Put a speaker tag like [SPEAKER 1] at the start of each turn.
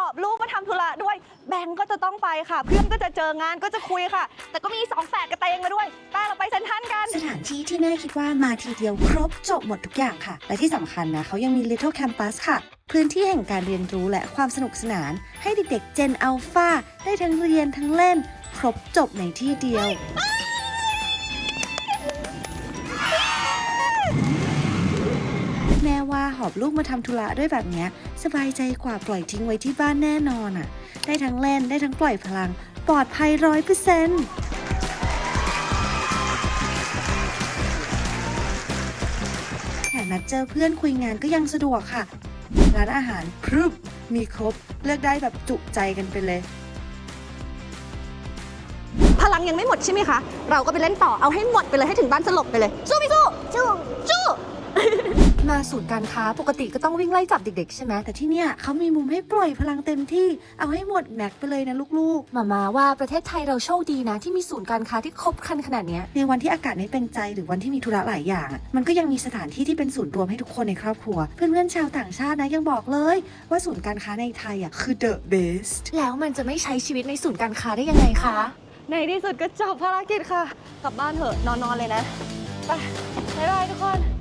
[SPEAKER 1] อบลูกมาทำธุระด้วยแบงก์ก็จะต้องไปค่ะเพื่อนก็จะเจองานก็จะคุยค่ะแต่ก็มี2 แฝดกระเตงมาด้วยป้าเราไปเซ็นทรัลกัน
[SPEAKER 2] สถานที่ที่แม่คิดว่ามาทีเดียวครบจบหมดทุกอย่างค่ะและที่สำคัญนะเขายังมี Little Campus ค่ะพื้นที่แห่งการเรียนรู้และความสนุกสนานให้เด็กๆ Gen Alpha ได้ทั้งเรียนทั้งเล่นครบจบในที่เดียวแม่ว่าหอบลูกมาทำธุระด้วยแบบนี้สบายใจกว่าปล่อยทิ้งไว้ที่บ้านแน่นอนอ่ะได้ทั้งเล่นได้ทั้งปล่อยพลังปลอดภัย100%แถมนัดเจอเพื่อนคุยงานก็ยังสะดวกค่ะร้านอาหารพรึบมีครบเลือกได้แบบจุใจกันไปเลย
[SPEAKER 1] พลังยังไม่หมดใช่ไหมคะเราก็ไปเล่นต่อเอาให้หมดไปเลยให้ถึงบ้านสลบไปเลยสู้ไม่สู้สู้
[SPEAKER 2] มาศูนย์การค้าปกติก็ต้องวิ่งไล่จับเด็กๆใช่ไหมแต่ที่เนี่ยเขามีมุมให้ปล่อยพลังเต็มที่เอาให้หมดแม็กไปเลยนะลูกๆมาว่าประเทศไทยเราโชคดีนะที่มีศูนย์การค้าที่ครบครันขนาดนี้ในวันที่อากาศไม่เป็นใจหรือวันที่มีธุระหลายอย่างมันก็ยังมีสถานที่ที่เป็นศูนย์รวมให้ทุกคนในครอบครัวเพื่อนๆชาวต่างชาตินะยังบอกเลยว่าศูนย์การค้าในไทยคือ the best แล้วมันจะไม่ใช้ชีวิตในศูนย์การค้าได้ยังไงคะ
[SPEAKER 1] ในที่สุดก็จบภารกิจค่ะกลับบ้านเถอะนอนเลยนะไปบ๊ายบายทุกคน